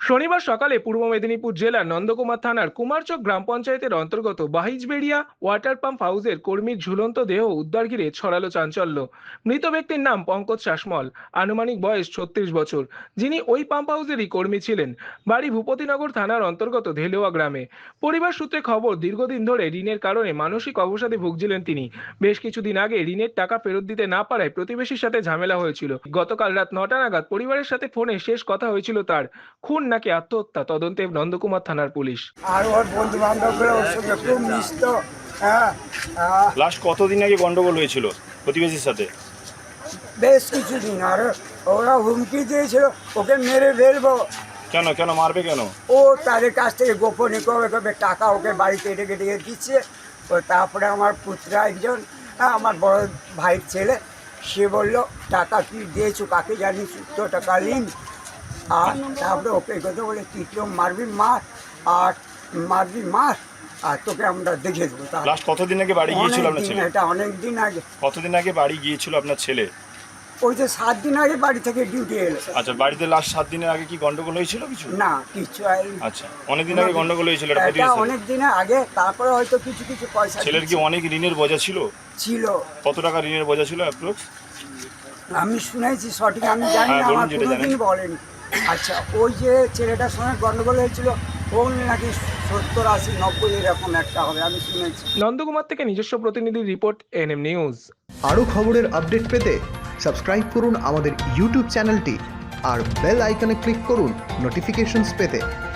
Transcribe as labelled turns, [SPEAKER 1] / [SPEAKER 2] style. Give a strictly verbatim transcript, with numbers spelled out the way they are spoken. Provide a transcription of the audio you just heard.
[SPEAKER 1] শনিবার সকালে পূর্ব মেদিনীপুর জেলার নন্দকুমার থানার কুমারচক গ্রাম পঞ্চায়েতের অন্তর্গত বাহিজবেড়িয়া ওয়াটার পাম্প হাউসের কর্মীর ঝুলন্ত দেহ উদ্ধার ঘিরে ছড়ালো চাঞ্চল্য। মৃত ব্যক্তির নাম পঙ্কজ শাসমল, আনুমানিক বয়স ছত্রিশ বছর, যিনি ওই পাম্প হাউসেরই কর্মী ছিলেন। বাড়ি ভূপতিনগর থানার অন্তর্গত ধেলোয়া গ্রামে। পরিবার সূত্রে খবর, দীর্ঘদিন ধরে ঋণের কারণে মানসিক অবসাদে ভুগছিলেন তিনি। বেশ কিছুদিন আগে ঋণের টাকা ফেরত দিতে না পারায় প্রতিবেশীর সাথে ঝামেলা হয়েছিল। গতকাল রাত নটা নাগাদ পরিবারের সাথে ফোনে শেষ কথা হয়েছিল তার। খুন নাকি আত্মহত্যা, তদন্তে নন্দকুমার থানার পুলিশ।
[SPEAKER 2] আর ওর বন্ধু বান্ধবগুলো ওর সঙ্গে খুব মিশত। হ্যাঁ, আহ,
[SPEAKER 3] লাস্ট কতদিন আগে গন্ডগোল হয়েছিল প্রতিবেশীর সাথে?
[SPEAKER 2] বেশ কিছুদিন। আর ওরা হুমকি দিয়েছিল ওকে মেরে ফেলবো।
[SPEAKER 3] কেন কেন মারবে কেন?
[SPEAKER 2] ও তাদের কাছ থেকে গোপনে কবে কবে টাকা ওকে বাড়িতে রেখে রেখে দিচ্ছে। ও তারপরে আমার পুত্রা একজন, হ্যাঁ, আমার বড় ভাইয়ের ছেলে, সে বললো টাকা কি দিয়েছো কাকে জানিস, তো টাকা নিন। আর তারপরে ওকে কথা বলে তুই কেউ মারবি মার, আর মারবি মার, আর তোকে আমরা দেখে দেবো। তা
[SPEAKER 3] লাস্ট কতদিন আগে বাড়ি গিয়েছিল আপনার ছেলে?
[SPEAKER 2] এটা অনেক দিন আগে।
[SPEAKER 3] কতদিন আগে বাড়ি গিয়েছিল আপনার ছেলে?
[SPEAKER 2] ওই যে সাত দিন আগে বাড়ি থেকে ডিউটি এলো।
[SPEAKER 3] আচ্ছা, বাড়িতে লাস্ট সাত দিনের আগে কি গন্ডগোল হয়েছিল কিছু?
[SPEAKER 2] না, কিছু হয়নি।
[SPEAKER 3] আচ্ছা, অনেকদিন আগে গন্ডগোল হয়েছিল এটা
[SPEAKER 2] এটা
[SPEAKER 3] প্রতিবেশীর
[SPEAKER 2] অনেক দিনের আগে, তারপরে হয়তো কিছু কিছু পয়সা
[SPEAKER 3] ছেলের কি অনেক ঋণের বোঝা ছিল?
[SPEAKER 2] ছিল।
[SPEAKER 3] কত টাকা ঋণের বোঝা ছিল অ্যাপ্রক্স?
[SPEAKER 2] আমি শুনেছি, সঠিক আমি জানি
[SPEAKER 3] হ্যাঁ,
[SPEAKER 2] না,
[SPEAKER 3] বলুন
[SPEAKER 2] আমার
[SPEAKER 3] যেটা
[SPEAKER 2] কোনোদিন
[SPEAKER 3] জানেন।
[SPEAKER 2] বলেনি। আচ্ছা, ওই যে ছেলেটার সঙ্গে গন্ডগোল হয়েছিল, ও নাকি সত্তর আশি নব্বই এরকম একটা হবে, আমি শুনেছি।
[SPEAKER 1] নন্দকুমার থেকে নিজস্ব প্রতিনিধির রিপোর্ট, এনএম নিউজ।
[SPEAKER 4] আরও খবরের আপডেট পেতে সাবস্ক্রাইব করুন আমাদের ইউটিউব চ্যানেলটি আর বেল আইকনে ক্লিক করুন নোটিফিকেশনস পেতে।